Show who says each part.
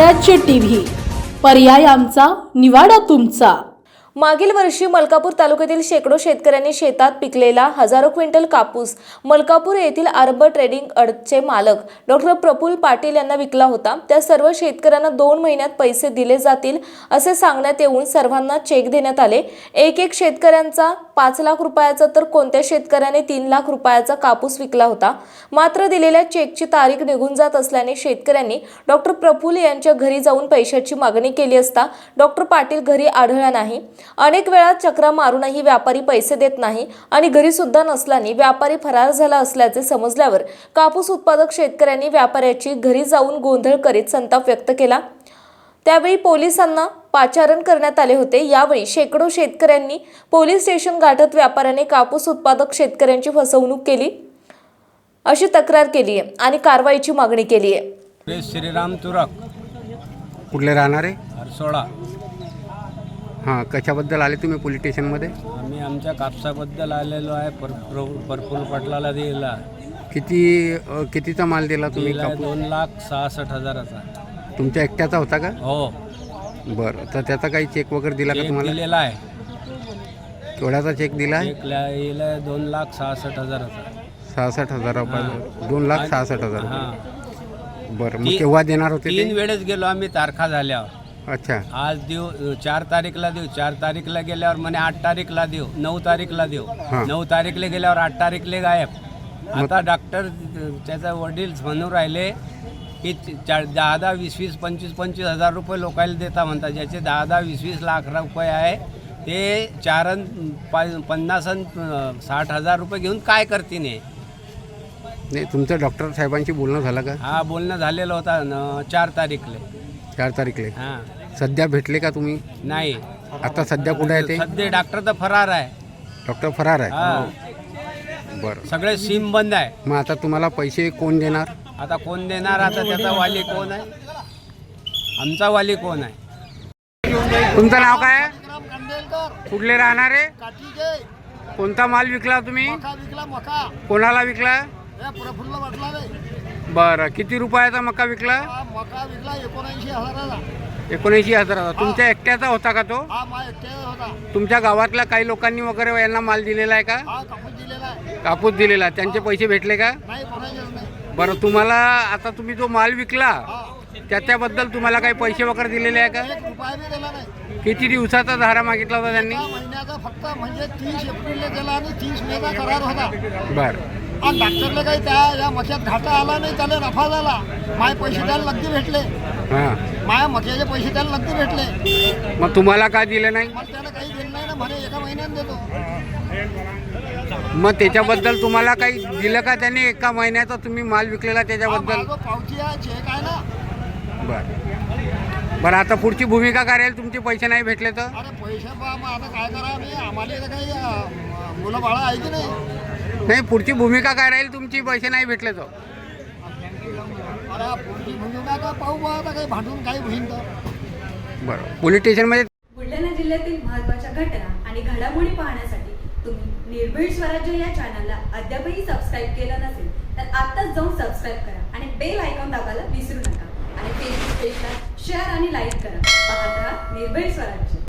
Speaker 1: स्वराज्य टीव्ही, पर्याय आमचा, निवाडा तुमचा।
Speaker 2: मागील वर्षी मलकापूर तालुक्यातील शेकडो शेतकऱ्यांनी शेतात पिकलेला हजारो क्विंटल कापूस मलकापूर येथील आरब ट्रेडिंग अडचे मालक डॉक्टर प्रफुल्ल पाटील यांना विकला होता। त्या सर्व शेतकऱ्यांना 2 महिन्यात पैसे दिले जातील असे सांगण्यात येऊन सर्वांना चेक देण्यात आले। एक शेतकऱ्यांचा 5 लाख रुपयाचा तर कोणत्या शेतकऱ्याने 3 लाख रुपयाचा कापूस विकला होता। मात्र दिलेल्या चेकची तारीख निघून जात असल्याने शेतकऱ्यांनी डॉक्टर प्रफुल्ल यांच्या घरी जाऊन पैशाची मागणी केली असता डॉक्टर पाटील घरी आढळला नाही। अनेक वेळा चक्रा मारूनही व्यापारी पैसे देत नाही आणि घरी सुद्धा नसल्याने व्यापारी फरार झाला असल्याचे समजल्यावर कापूस उत्पादक शेतकऱ्यांनी व्यापाऱ्याची घरी जाऊन गोंधळ करीत संताप व्यक्त केला। त्यावेळी पोलिसांना पाचारण करण्यात आले होते। यावेळी शेकडो शेतकऱ्यांनी पोलीस स्टेशन गाठत व्यापाऱ्याने कापूस उत्पादक शेतकऱ्यांची फसवणूक केली अशी तक्रार केली आहे आणि कारवाईची मागणी केली आहे।
Speaker 3: श्रीराम तुरक
Speaker 4: कुठले राहणारे?
Speaker 3: हरसोळा।
Speaker 4: हां, कशाबद्दल आले तुम्ही पोलीस स्टेशनमध्ये?
Speaker 3: आम्ही आमच्या कापसाबद्दल आलेलो आहे। प्रफुल्ल पाटलाला दिला।
Speaker 4: कितीचा माल दिला तुम्ही?
Speaker 3: 2,66,000चा।
Speaker 4: तुमच्या एकट्याचा होता का?
Speaker 3: हो।
Speaker 4: बरं, तर त्याचा काही चेक वगैरे दिला का तुम्हाला?
Speaker 3: दिलेला आहे।
Speaker 4: केवढ्याचा चेक दिला आहे?
Speaker 3: चेक लिहिला 2,66,000चा।
Speaker 4: 66,000 रुपये। 2,66,000
Speaker 3: हां।
Speaker 4: बरं, मग केव्हा देणार होते?
Speaker 3: 3 वेळेस गेलो आम्ही तारखा झाल्यावर।
Speaker 4: अच्छा,
Speaker 3: आज देऊ, 4 तारीखला देऊ, 4 तारीखला गेल्यावर म्हणे 8 तारीखला देऊ, 9 तारीखला देऊ, 9 तारीखला गेल्यावर 8 तारीखला गायब। आता डॉक्टर त्याचा वडील म्हणून राहिले की 10-10, 20-20, 25-25 हजार रुपये लोकायला देता म्हणतात। ज्याचे 10-10, 20-20 लाख रुपये आहे ते 50-60 रुपये घेऊन काय करतील?
Speaker 4: नाही, तुमचं डॉक्टर साहेबांशी बोलणं झालं का?
Speaker 3: हा, बोलणं झालेलं होता 4 तारीखले।
Speaker 4: 4 तारीखले?
Speaker 3: हां।
Speaker 4: सध्या भेटले का तुम्ही?
Speaker 3: नाही।
Speaker 4: आता सध्या कुठे आहे ते?
Speaker 3: सध्या डॉक्टर तर फरार आहे।
Speaker 4: डॉक्टर फरार आहे?
Speaker 3: हां।
Speaker 4: बरं,
Speaker 3: सगळे सिम बंद आहे।
Speaker 4: मग आता तुम्हाला पैसे कोण देणार?
Speaker 3: आता कोण देणार? आता त्याचा वाली कोण आहे? आमचा वाली कोण आहे?
Speaker 4: तुमचं नाव काय? कुठले राहणारे? कोणता माल विकला तुम्ही?
Speaker 5: मका
Speaker 4: कोणाला विकला?
Speaker 5: प्रफुल्ल पाटलाला।
Speaker 4: बरं, किती रुपयाचा मका विकला?
Speaker 5: मका विकला 79,000चा।
Speaker 4: 79,000चा। तुमच्या एकट्याचा होता का तो?
Speaker 5: हा, माझ्या एकट्याचा होता।
Speaker 4: तुमच्या गावातल्या काही लोकांनी वगैरे यांना माल दिलेला आहे का?
Speaker 5: हा, कापूस दिलेला आहे।
Speaker 4: कापूस दिलेला, त्यांचे पैसे भेटले का?
Speaker 5: नाही, कोणाचेच नाही।
Speaker 4: बरं, तुम्हाला आता तुम्ही जो माल विकला
Speaker 5: हा,
Speaker 4: त्याच्याबद्दल तुम्हाला काही पैसे वगैरे दिलेले आहे का?
Speaker 5: 1 रुपया बी दिला नाही।
Speaker 4: किती दिवसाचा धारा मागितला होता त्यांनी?
Speaker 5: 1 महिन्याचा फक्त, म्हणजे 30 एप्रिलला दिला आणि 30 मेचा करार होता।
Speaker 4: बरं,
Speaker 5: आणि डॉक्टरला काही या मक्यात घाटा आला नाही, त्याला नफा झाला। माझे पैसे त्याला नक्की भेटले।
Speaker 4: हां,
Speaker 5: माझ्या मक्याचे पैसे त्याला नक्की भेटले।
Speaker 4: मग तुम्हाला काय दिलं नाही?
Speaker 5: मला त्याला काही दिलं नाही ना, म्हणे 1 महिन्यात देतो।
Speaker 4: मग त्याच्याबद्दल तुम्हाला काही दिलं का त्यांनी? 1 महिन्याचा तुम्ही माल विकलेला त्याच्याबद्दल?
Speaker 5: हा, पावती आहे, चेक आहे ना।
Speaker 4: बरं, आता पुढची भूमिका काय राहील? तुमचे पैसे नाही भेटले तर?
Speaker 5: अरे पैसे बा, मग आता काय करा? आम्ही, आम्हाला इथं काही मुलं बाळा आहे की नाही?
Speaker 4: नाही, पुढची भूमिका काय राहील तुमची पैसे नाही भेटले तर?
Speaker 5: अरे पुढची भूमिका का पाहू बा, आता काही भांडून काही होईन तर।
Speaker 4: बरं, पोलीस स्टेशनमध्ये
Speaker 6: बुलढाणा जिल्ह्यातील महत्त्वाच्या घटना आणि घडामोडी पाहण्यासाठी तुम्ही निर्भीड स्वराज्य या चॅनलला अद्यापही सबस्क्राईब केलं नसेल तर आत्ताच जाऊन सबस्क्राईब करा आणि बेल आयकॉन दाबायला विसरू नका आणि फेसबुक पेजला शेअर आणि लाईक करा। पाहत राहा निर्भीड स्वराज्य।